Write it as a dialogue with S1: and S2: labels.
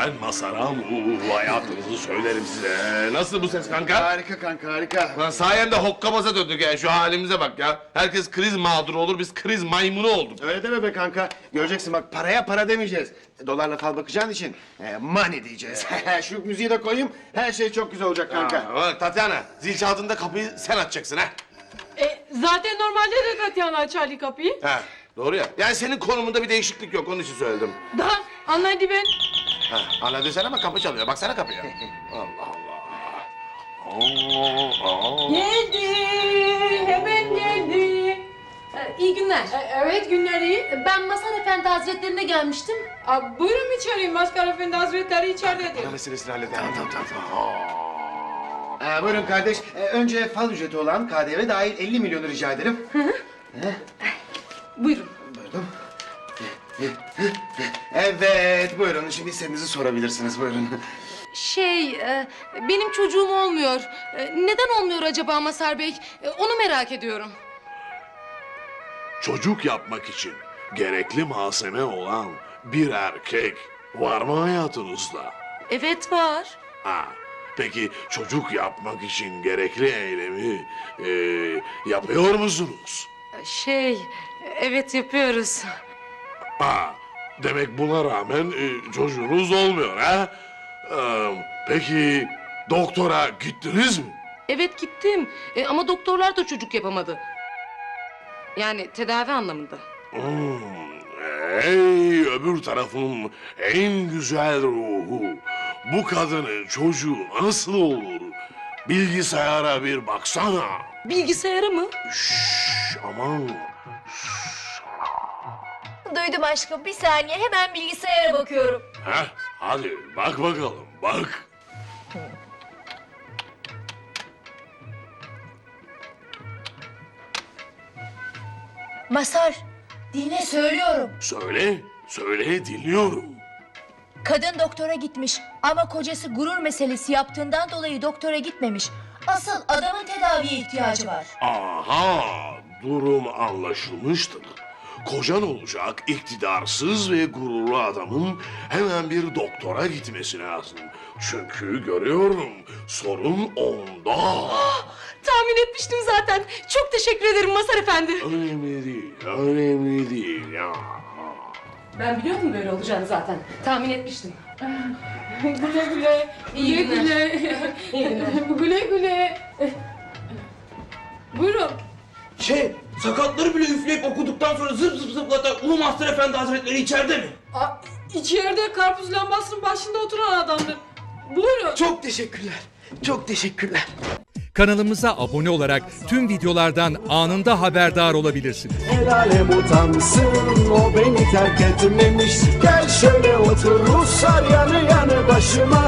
S1: Ben Masaram. Hayatınızı söylerim size. Nasıl bu ses kanka?
S2: Harika kanka, harika.
S1: Lan sayende hokkabaza döndük ya. Şu halimize bak ya. Herkes kriz mağduru olur, biz kriz maymunu olduk.
S2: Öyle deme be kanka. Göreceksin bak, paraya para demeyeceğiz. Dolarla fal bakacağın için money diyeceğiz. Şu müziği de koyayım, her şey çok güzel olacak kanka.
S1: Bak Tatyana, zil çaldığında kapıyı sen açacaksın ha.
S3: Zaten normalde de Tatyana açardı kapıyı.
S1: Ha, doğru ya. Yani senin konumunda bir değişiklik yok, onun için söyledim.
S3: Daha anlaydı ben.
S1: Ha, anladın sen ama kapı çalıyor. Baksana kapıya. Allah Allah.
S3: Geldi, hemen geldi.
S4: İyi günler.
S3: Evet, günler iyi.
S4: Ben Mazhar Efendi Hazretlerine gelmiştim.
S3: Buyurun içeri, Mazhar Efendi Hazretleri içeridedir.
S1: Para meselesini halledelim.
S2: Tamam. Buyurun kardeş. Önce fal ücreti olan KDV dahil 50 milyonu rica ederim.
S4: Buyurun.
S2: Buyurun. Evet, buyurun. Şimdi istediğinizi sorabilirsiniz. Buyurun.
S4: Benim çocuğum olmuyor. Neden olmuyor acaba Mazhar Bey? Onu merak ediyorum.
S1: Çocuk yapmak için gerekli malzeme olan bir erkek var mı hayatınızda?
S4: Evet var.
S1: Ha, peki çocuk yapmak için gerekli eylemi yapıyor musunuz?
S4: Evet yapıyoruz.
S1: Ha, demek buna rağmen çocuğunuz olmuyor ha? Peki doktora gittiniz mi?
S4: Evet gittim. Ama doktorlar da çocuk yapamadı. Yani tedavi anlamında.
S1: Ey öbür tarafın en güzel ruhu. Bu kadının çocuğu nasıl olur? Bilgisayara bir baksana.
S4: Bilgisayarı mı?
S1: Şşş, aman.
S5: Duydum aşkım, bir saniye, hemen bilgisayara bakıyorum.
S1: Heh, hadi bak bakalım, bak.
S5: Mazhar, dinle söylüyorum.
S1: Söyle, söyle dinliyorum.
S5: Kadın doktora gitmiş ama kocası gurur meselesi yaptığından dolayı doktora gitmemiş. Asıl adamın tedaviye ihtiyacı var.
S1: Aha, durum anlaşılmıştır. Kocan olacak iktidarsız ve gururlu adamın hemen bir doktora gitmesi lazım. Çünkü görüyorum sorun onda.
S4: Tahmin etmiştim zaten. Çok teşekkür ederim Mazhar Efendi.
S1: Önemli değil, önemli değil ya.
S4: Ben biliyordum böyle olacağını zaten. Tahmin etmiştim.
S3: Güle güle,
S4: İyi
S3: güle
S4: günler.
S3: güle.
S4: İyi günler.
S3: Güle güle. Buyurun.
S6: Sakatları bile üfleyip okuduktan sonra zıp zıp zıplatan Ulu Mahzer Efendi Hazretleri içeride mi?
S3: İçeride karpuz lambasının başında oturan adamdır. Buyurun.
S6: Çok teşekkürler. Çok teşekkürler.
S7: Kanalımıza abone olarak tüm videolardan anında haberdar olabilirsiniz.
S8: El alem utansın, o beni terk etmemiş. Gel şöyle otur Ruslar yanı yanı başıma.